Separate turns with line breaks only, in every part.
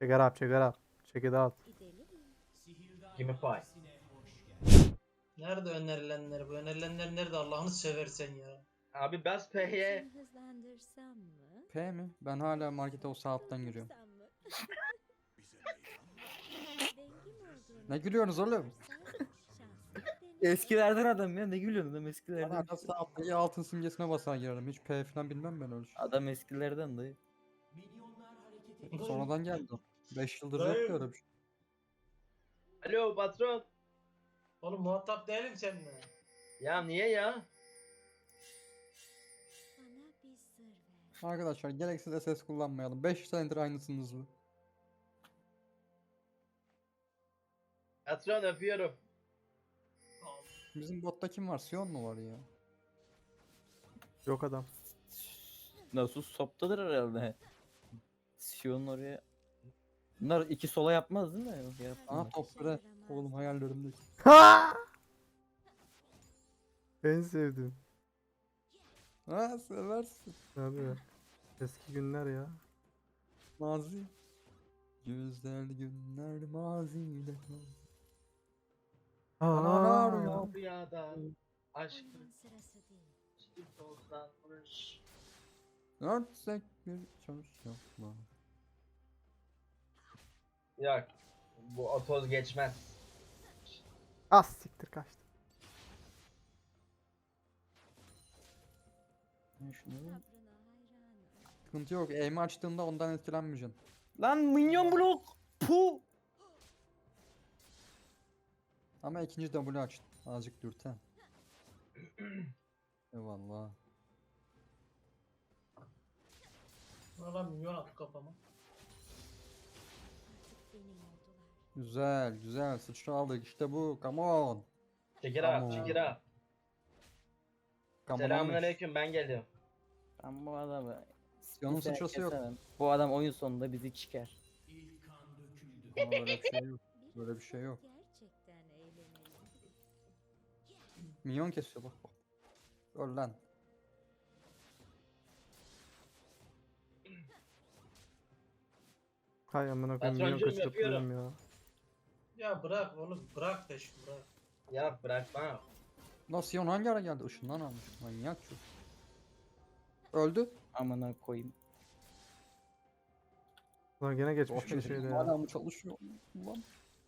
Check it out, check it out. Check it out.
Give me five.
Nerede önerilenler? Bu önerilenler nerede Allah'ını seversen ya?
Abi bas P'ye.
Seni hızlandırsam mı?
P mi? Ben hala markete o saatten giriyorum.
Durdursam mı? Dengim olduğunu
Ne gülüyorsunuz oğlum?
düşünürsen şansını deneyelim.
Eskilerden adam ya, ne gülüyorsun adam
Ben
eskilerden.
hala saatte iyi altın simgesine basar girerim. Hiç P falan bilmem ben öyle şey.
Adam eskilerden dayı.
Sonradan geldi. 5 yıldır
Dayı.
yoktu öyle bir şey.
Alo patron.
Oğlum muhatap değilim seninle.
Ya niye ya?
Bana bir sır ver.
Arkadaşlar gereksiz SS kullanmayalım. 5 senedir aynısınız bu.
Patron öpüyorum.
Bizim botta kim var? Sion mu var ya?
Yok adam.
Nasıl soptadır herhalde. Sion oraya. Bunlar iki sola yapmaz değil mi? Yok,
Aha
yapmıyorlar.
top bre. Oğlum hayallerimdeki.
Ha! En sevdiğim.
Ha seversin.
Abi. Eski günler ya.
Mazi. Güzel günler mazide.
Aa,
arıyor.
Rüyada aşkın
Bunun sırası değil.
üstü tozlanmış.
Örtsek bir çarşafla.
Yok. Bu o toz geçmez.
Az siktir kaçtı.
Ne şunu?
Sabrına hayranım.
Sıkıntı yok. Aim'i açtığında ondan etkilenmeyeceksin.
Lan minyon blok. Pu.
Ama ikinci W açtın. Azıcık dürten. Eyvallah.
Valla milyon attı kafama.
Artık benim oldular.
Güzel güzel sıçra aldık işte bu. Come on.
Çekir
Tamam.
abi, çekir abi.
Come on.
Selamünaleyküm, ben geliyorum.
Ben bu adamı
Sion'un
kimseye
sıçrası yok.
kesemem. Bu adam oyun sonunda bizi çıkar.
Ama böyle bir şey yok. Böyle bir şey yok.
Gerçekten eğlenelim.
Minyon kesiyor bak bak. Öl lan.
Hay amına koyayım.
Patroncuğum,
Milyon kaçırıp
yapıyorum.
duruyorum ya.
Ya bırak oğlum bırak da şu bırak.
Ya bırakma.
Lan Sion hangi ara geldi? Işından almış. Manyak çocuk. Öldü.
Amına koyayım.
Ulan gene geçmiş bir şeyde ya.
Hala mı çalışıyor? Ulan.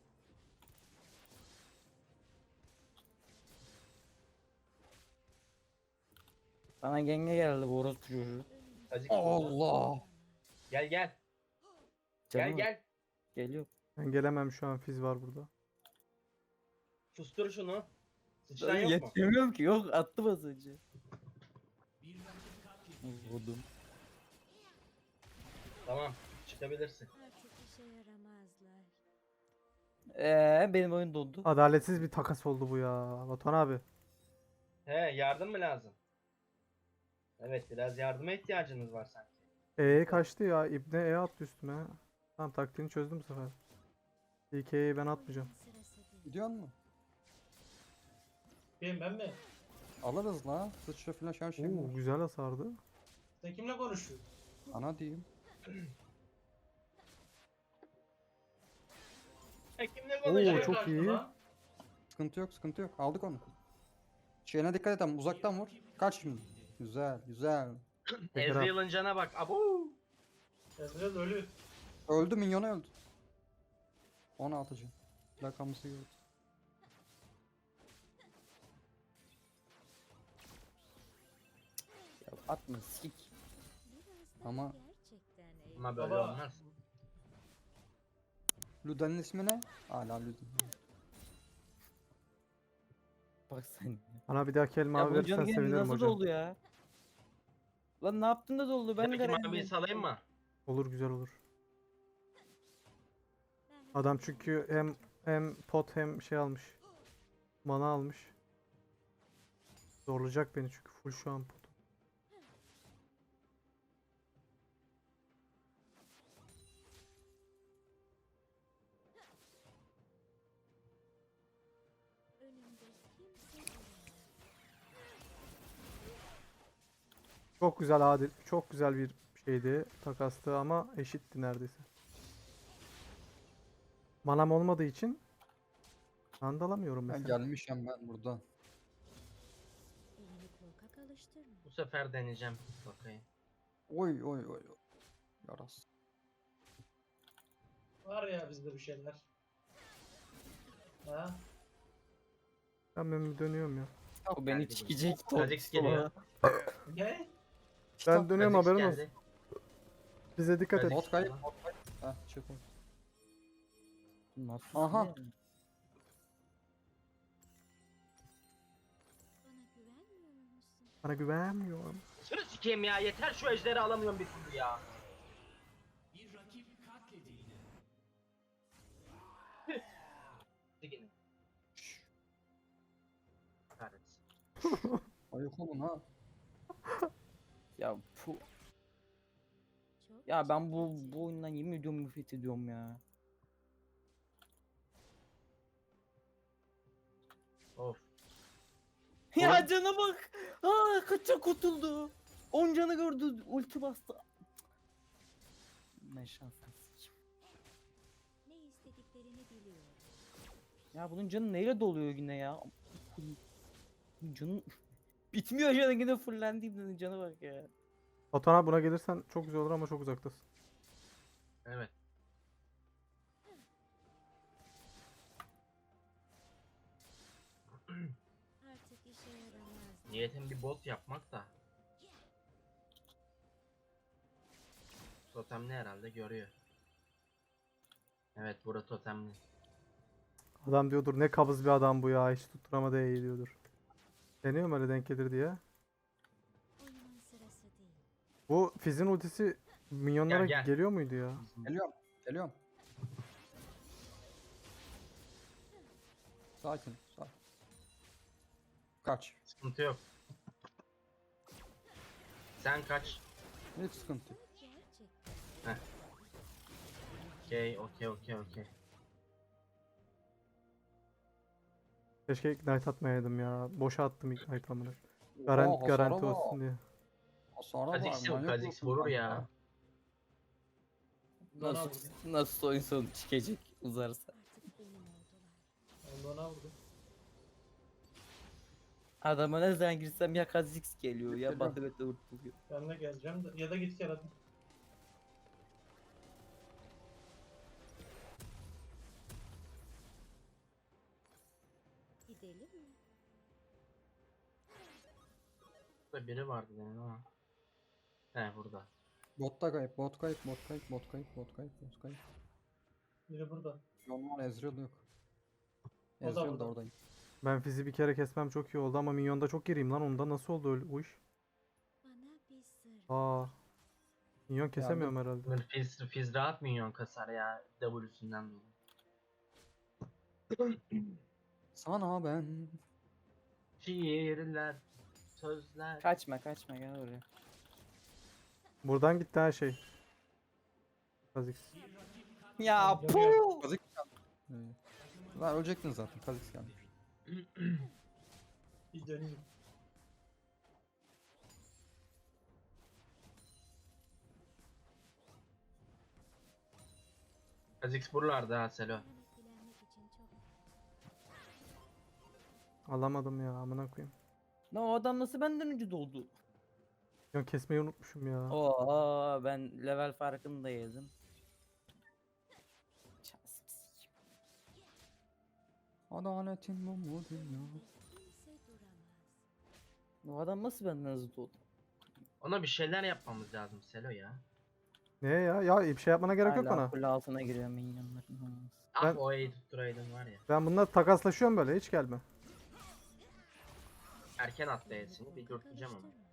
Bana genge geldi bu orospu çocuğu.
Acık.
Allah.
Gel gel. Gel
Canım,
gel.
Geliyor.
Ben gelemem şu an, Fiz var burada.
Sustur şunu. Sıçran
Ben
yok mu?
yetişemiyorum ki. Yok attı az önce. Vurdum.
Tamam. Çıkabilirsin.
Artık işe yaramazlar.
Benim oyun dondu.
Adaletsiz bir takas oldu bu ya. Batuhan abi.
He, yardım mı lazım? Evet, biraz yardıma ihtiyacınız var sanki.
Kaçtı ya. İbne attı üstüme. Tamam, taktiğini çözdüm bu sefer. İlk E'yi ben atmayacağım.
Bunun sırası değil.
Gidiyor mu?
Ben mi?
Alırız la. Sıçra falan her şey
Oo,
var.
güzel hasardı.
Sen kimle konuşuyorsun?
Ana diyeyim.
Kimle
Oo,
konuşuyor?
çok
Kaçtı
iyi.
lan.
Sıkıntı yok sıkıntı yok. Aldık onu. Şeyine dikkat et ama uzaktan vur. Kaç şimdi. Güzel güzel.
Ezreal'ın cana bak. Abu.
Ezreal ölü.
Öldü minyonu öldü. 16. Rakamısı gördü.
Ya atma sik.
Birazdan
Ama-
gerçekten eğlenelim.
Ama böyle
Baba.
olmaz.
Luden'in ismi ne? Hala Luden.
Bak sen.
Bana bir dahaki elma
Ya
abi
bu
verirsen
canı
sevinirim
nasıl
hocam.
doldu ya? Lan ne yaptın da doldu? Ben de
Peki
garajım.
maviyi salayım mı?
Olur, güzel olur. Adam çünkü hem pot hem şey almış. Mana almış. Zorlayacak beni çünkü full şu an pot.
Önümde kimse duramaz.
Çok güzel adil, çok güzel bir şeydi, takastı ama eşitti neredeyse. Manam olmadığı için andalamıyorum
Ben
mesela.
gelmişim ben buradan.
Elini korkak alıştırma.
Bu sefer deneyeceğim. Bakayım.
Oy oy oy. Oy. Yaras.
Var ya bizde bir şeyler. Ha?
Ben bir dönüyorum ya.
O beni
Geldi bu.
çekecek.
Kha'Zix geliyor.
Ne?
Ben dönüyorum,
Kha'Zix
haberin olsun.
geldi.
Bize dikkat et.
Kha'Zix
Bot kayıp,
falan.
bot kayıp. Heh, çık oğlum.
Nasus
Aha.
ne?
Bana güvenmiyor musun?
Bana güvenmiyorum.
Sırı sikeyim ya, yeter şu ejderi alamıyorum bir türlü ya. Sikeyim. Kahretsin.
Ayık olun ha.
Ya
Çok
ya ben
çekici.
bu oyundan yemin ediyorum nefret ediyorum ya.
Of.
Ya cana bak. Aa kaça kurtuldu. 10 canı gördü. Ulti bastı. Ben şanslı.
Ne istediklerini biliyorum.
Ya bunun canı neyle doluyor yine ya? Canı bitmiyor canı yine fullendiğimden canı bak ya.
Batuhan buna gelirsen çok güzel olur ama çok uzaktasın.
Evet.
Artık işe yaramaz.
Niyetim bir bot yapmak da. Totemli herhalde görüyor. Evet, burada totemli.
Adam diyordur ne kabız bir adam bu ya, hiç tutturamadı iyi diyordur. Deniyorum öyle denk gelir diye.
Oyunun sırası değil.
Bu Fizz'in ultisi minyonlara
Gel, gel.
geliyor muydu ya?
Geliyorum. Geliyorum. Sakin. Sakin. Kaç.
Sıkıntı yok. Sen kaç.
Hiç sıkıntı yok.
Gerçekten.
Okey.
Keşke ignite atmayaydım ya. Boşa attım ignite amına.
Oha, hasara
Garanti
bak.
olsun diye.
Hasara var.
Kha'Zix yok,
manyak
Kha'Zix
mısın
vurur
kanka?
ya.
Nasıl, nasıl oyun sonu çıkacak uzarsa.
Artık benim oldular.
Ben de ona vurdum.
Adama ne zaman girsem ya Kha'Zix geliyor ya
Geliyorum.
Batıbet'le vurtuluyor.
Ben de geleceğim de. Ya da git gel hadi.
Gidelim mi?
Burada biri vardı benim ama. He, burada.
Botta kayıp, bot kayıp, bot kayıp, bot kayıp, bot kayıp, bot kayıp.
Biri burada.
Normal Ezreal yok.
O da
Ezreal da
burada.
oradayım.
Ben Fizz'i bir kere kesmem çok iyi oldu ama minyonda çok gireyim lan, onda nasıl oldu öyle o iş?
Bana bir sır.
Aa. Minyon kesemiyorum herhalde.
Bunun Fizz rahat minyon kasar ya. W'sünden dolayı.
Sana ben.
Şiirler, sözler.
Kaçma gel oraya.
Buradan gitti her şey. Kha'Zix.
Ya
Canı
puh.
Kha'Zix geldi. Lan ölecektin zaten. Kha'Zix gelmiş.
Bir döneyim.
Kha'Zix buralarda ha Selo.
Ben etkilenmek için çok
Alamadım ya, amına koyayım.
Ne o adam nasıl benden önce doldu?
Minyon kesmeyi unutmuşum ya.
Oo ben level farkını da yedim. Şansım sikeyim.
Adaletin bu mu dünya?
kimse duramaz.
O adam nasıl benden hızlı doldu?
Ona bir şeyler yapmamız lazım Selo ya.
Ne ya? Ya bir şey yapmana gerek yok
Hala
bana.
kule altına giriyor minyonların olmaz.
Ah,
Ben-
o E'yi tutturaydın var ya.
Ben bununla takaslaşıyorum böyle, hiç gelme.
Erken attı E'sini, bir dürteceğim ama.
Karıştırma.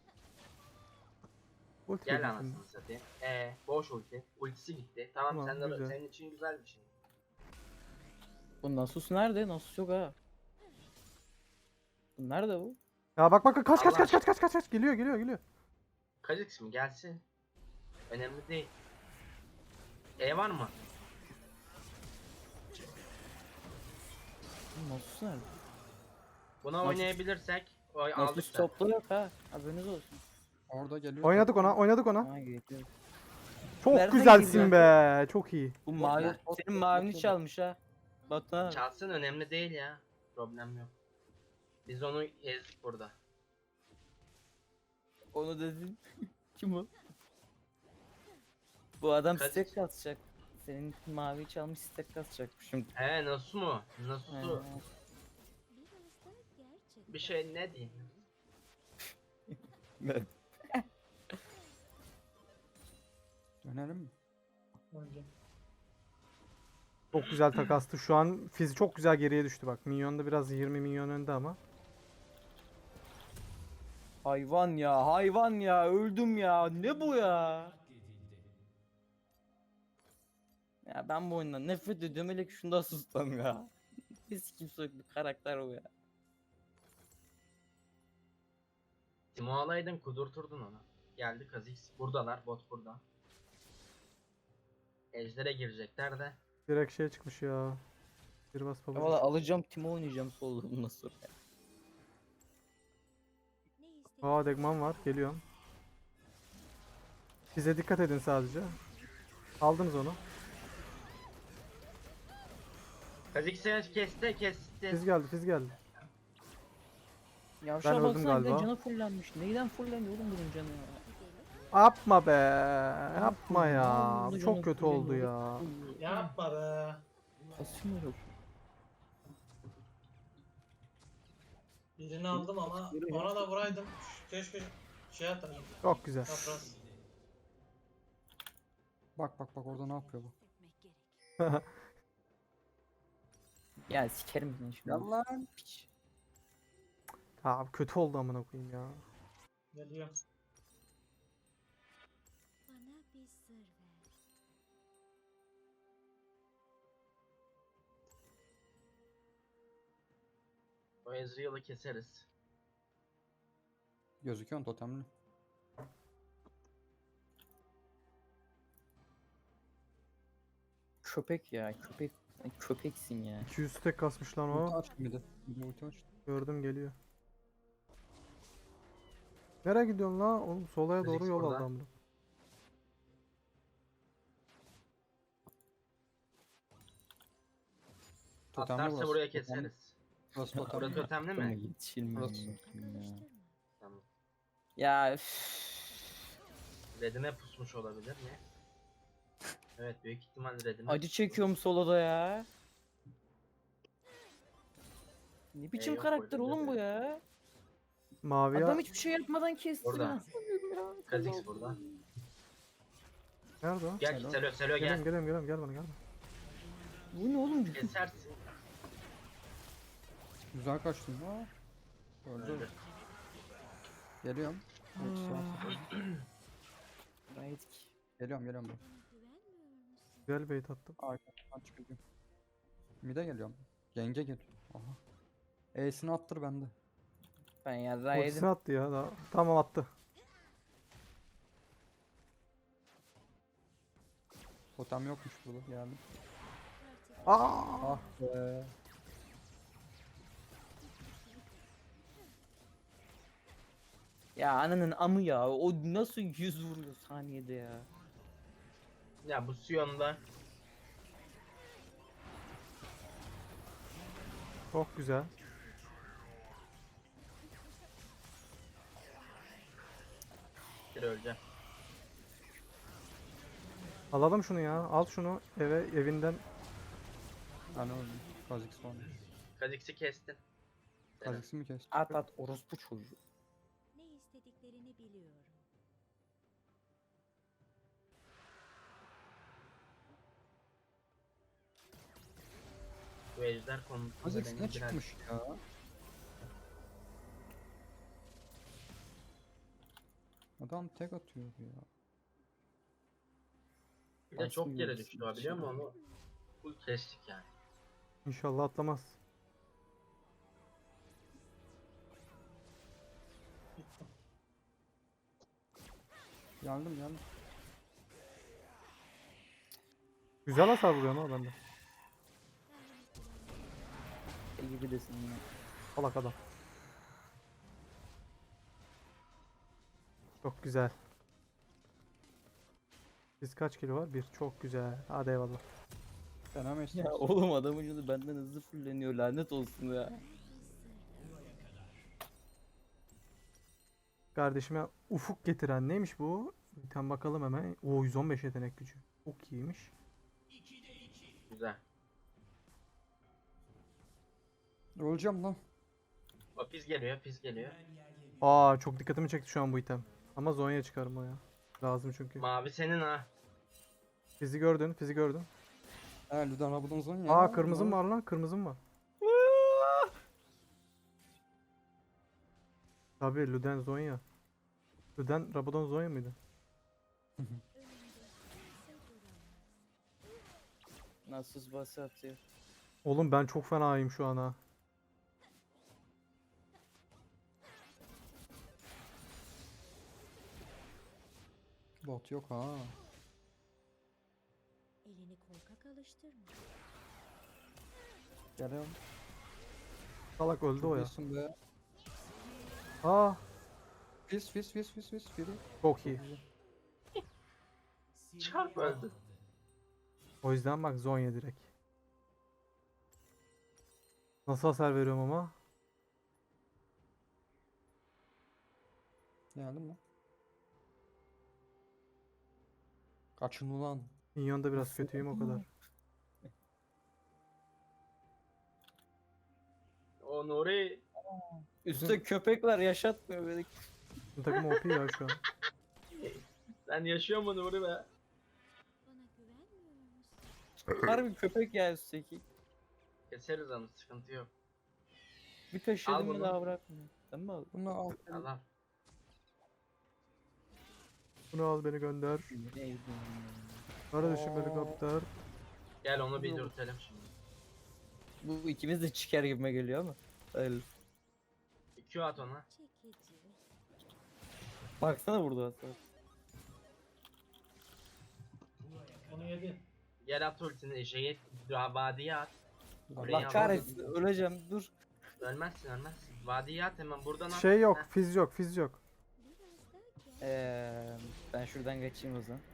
Ulti
Gel
yedim
anasını
şimdi.
satayım. Boş ulti. Ultisi gitti. Tamam,
Tamam,
sen de,
güzel.
senin için güzel bir şey.
Bu Nasus nerede? Nasus yok ha. Bu nerede bu?
Ya bak kaç
Allah
kaç geliyor.
Kha'Zix mi? Gelsin. Önemli değil. E var mı?
Bu Nasus nerede?
Buna
Nasus-
oynayabilirsek aldık
Nasus
da.
toplu yok ha. Haberiniz olsun.
Orada geliyor.
Oynadık ona.
Ha geliyor.
Çok
Nereden
güzelsin
girdi?
be. Çok iyi.
Bu mavi,
ver, bot
senin
ver,
mavini
bot ver.
çalmış ha. Batuhan.
Çalsın, önemli değil ya. Problem yok. Biz onu ezdik burada.
Onu dedin. Kim o? Bu adam
Kaç-
stack kasacak. Senin mavi çalmış stack kasacak şimdi.
He, Nasu mu? Nasusu.
He.
Biraz da gerçekten.
Bir şey ne diyeyim?
Evet.
Dönelim mi?
Önce.
Çok güzel takastı. Şu an Fizz çok güzel geriye düştü bak. Minyonda biraz 20 milyon önde ama.
Hayvan ya, hayvan ya, öldüm ya. Ne bu ya? Ya ben bu oyundan nefret ediyorum, hele ki şunda sustam ya. Biz kimse yok, bir karakter o ya.
Timo alaydın, kudurturdun onu. Geldi Kha'Zix. Buradalar, bot burada. Ejder'e girecekler de.
Direkt şey çıkmış ya. Bir bas
Ya
pabucu.
valla alacağım, Timo oynayacağım solda bundan sonra.
Ne istedik?
Aa Degman var. Geliyorum. Bize dikkat edin sadece. Aldınız onu.
Kha'Zix'i kesti.
Fizz geldi. Fizz geldi.
Yavşağa
öldüm
baksana, bir de
galiba.
canı fullenmiş. Neyden fullendi oğlum bunun canı ya?
Yapma be. Yapma ya.
Vallahi
Bu
canı
çok kötü
fullendi,
oldu ya.
Yapma be.
Kasım yok.
Birini aldım ama ona da vuraydım. Keşke şey atardım.
Çok güzel.
Çapraz.
Bak bak bak orada ne yapıyor bu?
Etmek gerek.
Ya sikerim seni şimdi.
Gel lan.
Piç.
Abi kötü oldu amına koyayım ya.
Geliyor.
Bana bir sır ver.
O Ezreal'ı keseriz.
Gözüküyor totemli.
Köpek ya, köpek. Sen köpeksin ya.
200 tek kasmış lan
Ulti
o.
açtı bir de. Bir de ulti açtı.
Gördüm geliyor. Nereye gidiyorsun lan? Oğlum solaya doğru
Kha'Zix
yol
burada.
aldı amına.
Totemli
Atlarsa
burası.
buraya
Totemli.
keseriz.
Burası
Burası
totemli.
totemli
Ama
mi?
yetişilmiyor.
Burası.
ya.
Karıştırma.
Tamam.
Ya üff.
Red'ine pusmuş olabilir mi? Evet, büyük ihtimal Red'ine.
Acı çekiyorum soloda ya. Ne biçim
yok,
karakter
öyle
oğlum bu
deme.
ya?
Mavi
Adam hiçbir şey yapmadan kesti.
Burada.
Nasıl ölüyorum ya?
Kha'Zix burada.
Nerede o?
Gel
Selam.
Selo
Geliyorum
gel.
geliyorum gel bana gel.
Bu ne oğlum?
Kesersin.
Güzel kaçtın. Aa. Öldü.
Öldü.
Geliyorum. Ultisi var.
Gayet ki.
Geliyorum ben.
Bana güvenmiyor musun?
Güzel bait attım.
Arkadan çıkacağım. Mid'e geliyorum. Genge geliyor. Aha. E'sini attır bende.
Ben yarrağı
Ultisini
yedim.
attı ya. Daha. Tamam attı.
Totem yokmuş burada. Geldim.
Artık
Aa!
Ah be.
Ya ananın amı ya. O nasıl 100 vuruyor saniyede ya.
Ya bu Sion'da
Çok güzel.
bir öleceğim.
Alalım şunu ya. Al şunu evinden.
Ben öldüm. Kha'Zix var.
Kha'Zix'i kestin. Selam.
Kha'Zix'i mi kestin?
At at orospu çocuğu.
ne istediklerini biliyorum.
Bu ejder konusunda
Kha'Zix
benim
ne
biraz
çıkmış ya? Adam tek atıyor ya.
bir de çok
Aslında
yere
yıldız
düştü o, biliyor
bir şey
musun? Onu full kestik yani.
İnşallah atlamaz.
Geldim.
Güzel hasar vuruyor ama bende.
gibi desin yine.
Salak adam. Çok güzel. Biz kaç kilo var? Bir. Çok güzel. Hadi eyvallah.
Fena mı
Ya oğlum adamın canı benden hızlı fulleniyor, lanet olsun ya.
Kardeşime ufuk getiren neymiş bu? Bir tane bakalım hemen. O 115 yetenek gücü. Çok iyiymiş.
Güzel.
Öleceğim lan.
O pis geliyor, pis geliyor.
Aa çok dikkatimi çekti şu an bu item. Ama Zonya çıkarım o ya. Lazım çünkü.
Mavi senin ha.
Fizi gördün, fizi gördün.
Ha Ludan Rabadon son ya.
Aa kırmızım var lan, kırmızım var. Tabii Luden Zonya. Luden Rabadon Zonya mıydı?
Önünde kimse duramaz.
Nasus bası atıyor.
Oğlum ben çok fenayım şu an ha.
Bot yok ha.
Elini korkak alıştırma.
Geliyorum.
Salak öldü o ya.
Diyorsun be.
Aa
Fis. Biri.
çok iyi.
Çarp öldü.
O yüzden bak Zonya direkt. Nasıl hasar veriyorum ama?
Geldim mi? Kaçın ulan.
Minyon'da biraz
Nasıl
kötüyüm o
oldu?
kadar.
O Nuri.
Üstte köpek var, yaşatmıyor beni.
Bu takım OP ya şu an.
Sen yaşıyor mu Nuri be?
Bana güvenmiyor musun?
Harbi köpek ya üstteki.
Keseriz onu, sıkıntı yok.
Bir kaşıdım mı
bunu.
daha bırakmıyor. Tamam mı?
Bunu al.
Allah.
Bunu al beni gönder.
Neydi?
Kardeşim helikopter.
Gel onu bir dürtelim şimdi.
Bu ikimiz de çıkar gibime geliyor ama. Öyle.
Bir Q at ona.
Çekici.
Baksana burada hasar.
Onu yedin.
Gel at ultini, vadiye at. Burayı
Allah
al.
kahretsin, öleceğim, dur.
Ölmezsin. Vadiye at hemen buradan at.
Şey yok,
Heh.
fiz yok, fiz yok.
Biraz daha gel.
Ben şuradan kaçayım o zaman.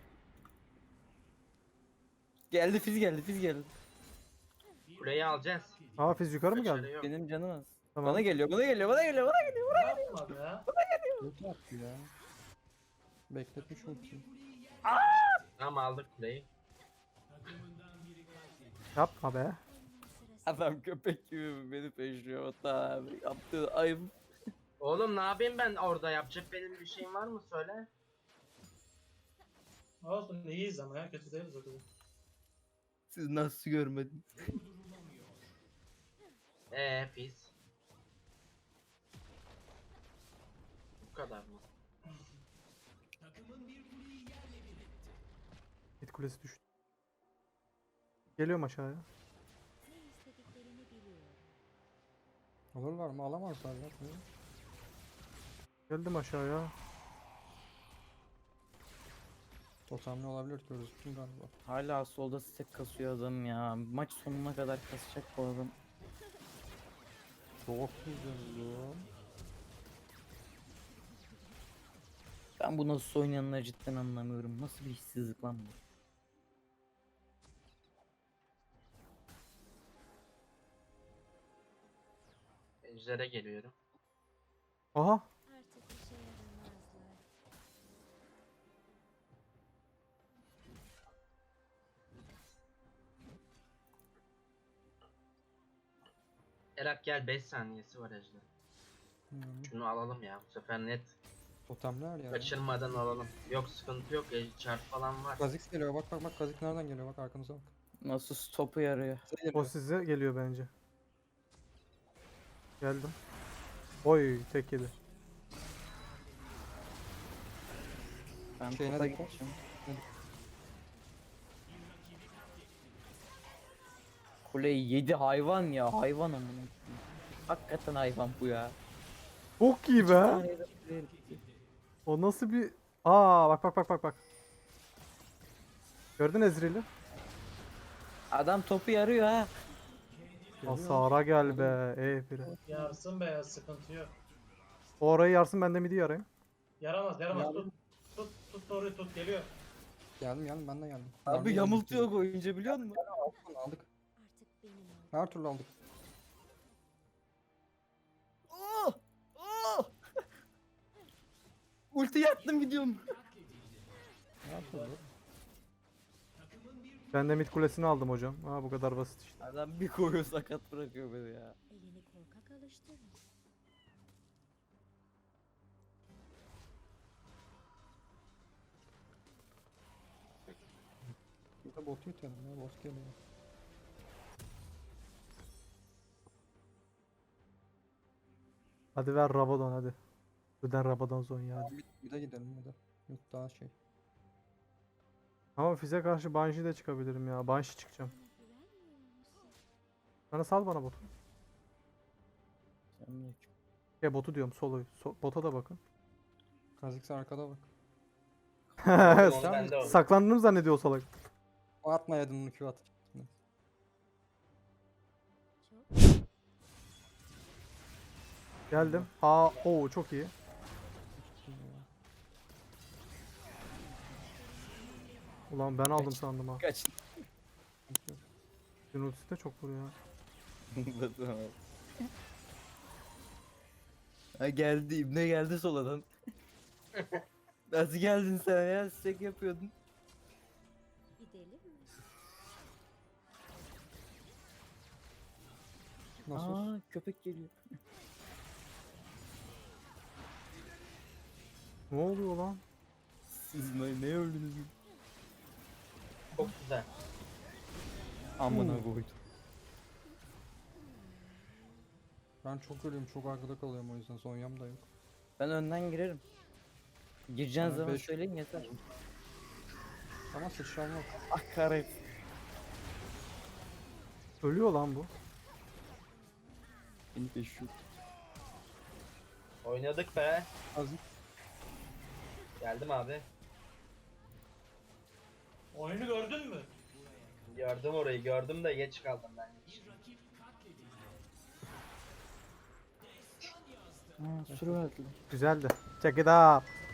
Geldi, fiz geldi.
Kuleyi alacağız.
Aa fiz yukarı mı
Kaçarı
geldi?
yok.
Benim canım az.
Tamam.
Bana geliyor.
Ne yapma be?
Yok yaptı ya. Bekletmiş ultiyi.
Tamam aldık kuleyi.
Yapma be.
Sırası
Adam köpek gibi beni peşliyor. Hatta abi yaptığı ayıp.
Oğlum ne yapayım ben orada, yapacak benim bir şeyim var mı söyle.
Olsun iyiyiz ama ya kötü değiliz o kadar.
Siz nasıl görmediniz?
Pis. Bu kadar mı?
Hit kulesi düştü. Geliyorum aşağıya.
ne istediklerini biliyorum.
Alırlar mı? Alamazlar ya.
Geldim aşağıya.
Totemli olabilir gözüktüm galiba.
Hala solda stack kasıyor adam ya. Maç sonuna kadar kasacak bu adam.
Çok güzel ya.
Ben bu nasıl oynayanları cidden anlamıyorum. Nasıl bir işsizlik lan bu?
Ejder'e geliyorum.
Aha.
Artık işe yaramazlar.
Erak gel, 5 saniyesi var Ejder. Şunu alalım ya, bu sefer net.
Totemler ya.
Kaçırmadan alalım. Yok sıkıntı yok, çarp falan var.
Kazik geliyor bak Kazik nereden geliyor bak arkanıza bak.
Nasıl stopu yarıyor?
Size
O
geliyor.
size geliyor bence. Geldim. Oy tek yedi.
Ben
Şeyine
topa
dikkat.
gideceğim. Kuleyi yedi, hayvan ya, hayvan amına koyayım. Hakikaten hayvan bu ya.
Çok iyi be.
Saniyede kuleye gitti.
O nasıl bir... Aa bak. Gördün Ezreal'i?
Adam topu yarıyor ha.
Geliyor.
Hasara gel be. Biri.
Yarsın be ya sıkıntı yok.
O orayı yarsın ben de midi yarayım.
Yaramaz
Yardım.
tut. Tut doğruyu tut geliyor.
Geldim ben de geldim.
Abi
Yardım
yamultuyor
edin.
oyuncu biliyor musun?
Aldık onu aldık.
Artık benim ol.
Her türlü aldık.
Oh! Oh! Ulti yattım gidiyorum.
Her türlü.
Ben de mid kulesini aldım hocam. Ha bu kadar basit işte.
Adam bir koyuyor sakat bırakıyor beni ya.
Elini korkak alıştırma.
Bir de botu itelim ya. Bot geliyor.
Hadi ver Rabadon hadi. Öden Rabadon Zonya hadi.
Bir de gidelim bir de. Yok daha şey.
Ama Fizz'e karşı Banshee de çıkabilirim ya. Banshee çıkacağım.
Bana güvenmiyor musun?
Bana sal bana botu.
Selamünaleyküm.
Botu diyorum soloyu. Bota da bakın.
Kha'Zix arkada bak.
Onu bende oldu.
Saklandığını zannediyor o salak.
O atmayaydın onu Q at.
Çok
Geldim. Çok iyi. Ulan ben aldım sandım ha.
Kaç.
Gün ultisi de çok vuruyor.
Ha geldi İbne geldi soladan. Nasıl geldin sen ya? Stek yapıyordun.
gidelim mi?
Nasıl?
Aa köpek geliyor.
Ne oluyor lan?
Siz ne öldünüz?
Çok güzel.
Amına koydum.
Ben çok ölüyorum. Çok arkada kalıyorum o yüzden. Zonya'm da yok.
Ben önden girerim. Gireceğin
Bana
zaman
beş-
söyleyin yeter.
Ama sıçram yok.
Ah kahret.
Ölüyor lan bu.
Beni peşiyor.
Oynadık be.
Kha'Zix.
Geldim abi.
Oyunu gördün mü?
Gördüm orayı gördüm de geç kaldım ben.
Aa sürü verdiler.
Güzeldi. Check it out.